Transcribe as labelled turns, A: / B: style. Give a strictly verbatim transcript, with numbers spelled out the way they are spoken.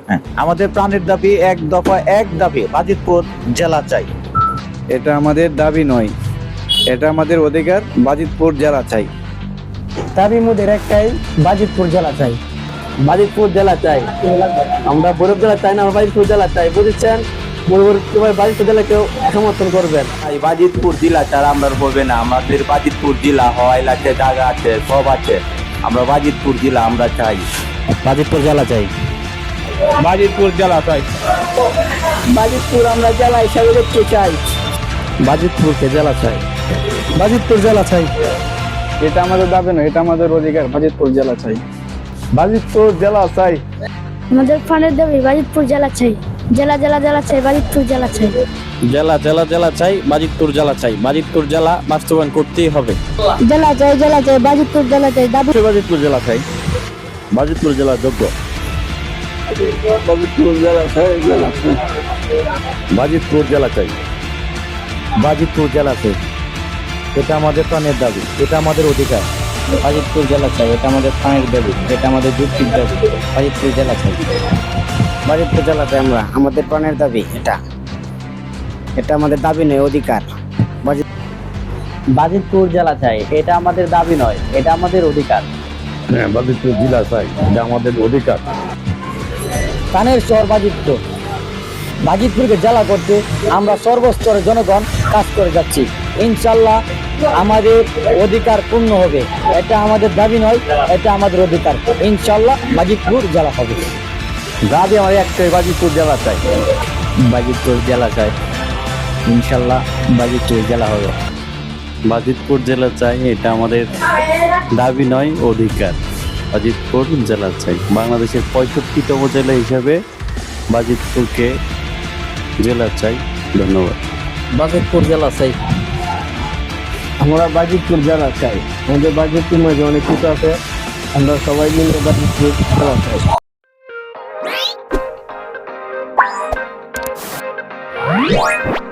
A: হ্যাঁ, আমাদের প্রাণের দাবি এক দফা এক দাবি বাজিতপুর জেলা চাই।
B: এটা আমাদের দাবি নয়, এটা আমাদের অধিকার। বাজিতপুর জেলা চাই।
C: দাবি মোদের একটাই, বাজিতপুর জেলা চাই।
D: বাজিতপুর জেলা চাই। আমরা বৈরব জেলা চাই না, আমরা বাজিতপুর জেলা চাই। বুঝেছেন? বাজিতপুর জেলাকেও সমর্থন করবেন।
E: বাজিতপুর জেলা ছাড়া আমরা হবে না। আমাদের বাজিতপুর জেলা হয় আছে, জায়গা আছে, সব আছে। আমরা বাজিতপুর জেলা আমরা চাই।
C: বাজিতপুর জেলা চাই।
B: বাজিতপুর জেলা চাই।
D: বাজিতপুর আমরা জেলা হিসাবে দেখতে চাই।
C: বাজিতপুরকে জেলা চাই। বাজিতপুর জেলা চাই।
B: এটা আমাদের দাবি নয়, এটা আমাদের অধিকার। বাজিতপুর জেলা চাই।
D: বাজিতপুর জেলা চাই।
F: আমাদের প্রাণের দাবি বাজিতপুর জেলা চাই। জেলা জেলা জেলা চাই, বাজিতপুর জেলা চাই।
C: জেলা জেলা জেলা চাই, বাজিতপুর জেলা চাই। বাজিতপুর জেলা বাস্তবায়ন করতেই হবে।
F: জেলা চাই, জেলা চাই, বাজিতপুর জেলা চাই। দাবি
C: বাজিতপুর জেলা চাই। বাজিতপুর জেলা যোগ্য।
D: বাজিতপুর জেলা চাই। জেলা চাই।
C: বাজিতপুর জেলা চাই। বাজিতপুর জেলা চাই। এটা আমাদের প্রাণের দাবি, এটা আমাদের অধিকার। বাজিতপুর জেলা চাই, এটা আমাদের প্রাণের দাবি, এটা আমাদের যুক্তির দাবি। বাজিতপুর জেলা চাই।
G: বাজিতপুর জেলা চাই আমরা, আমাদের প্রাণের দাবি এটা। এটা আমাদের দাবি নয়, অধিকার।
D: বাজিতপুর জেলা চাই। এটা আমাদের দাবি নয়, এটা আমাদের অধিকার।
C: হ্যাঁ, বাজিতপুর জেলা চাই, এটা আমাদের অধিকার।
D: প্রাণের শহর বাজিতপুর। বাজিতপুরকে জেলা করতে আমরা সর্বস্তরের জনগণ কাজ করে যাচ্ছি। ইনশাল্লাহ আমাদের অধিকার পূর্ণ হবে। এটা আমাদের দাবি নয়, এটা আমাদের অধিকার। ইনশাল্লাহ বাজিতপুর জেলা হবে।
C: দাবি আমার একটাই, বাজিতপুর জেলা চাই।
D: বাজিতপুর জেলা চাই। ইনশাল্লাহ বাজিতপুর জেলা হবে।
H: বাজিতপুর জেলা চাই, এটা আমাদের দাবি নয়, অধিকার। বাজিতপুর জেলা চাই। বাংলাদেশের পঁয়ষট্টিতম জেলা হিসাবে বাজিতপুরকে জেলা চাই। ধন্যবাদ।
D: বাজিতপুর জেলা চাই।
B: আমরা বাজিতপুর জেলা চাই। আমাদের বাজিতপুর মাঝে অনেক কিছু আছে, আমরা সবাই মিলে বাজিতপুর জেলা চাই।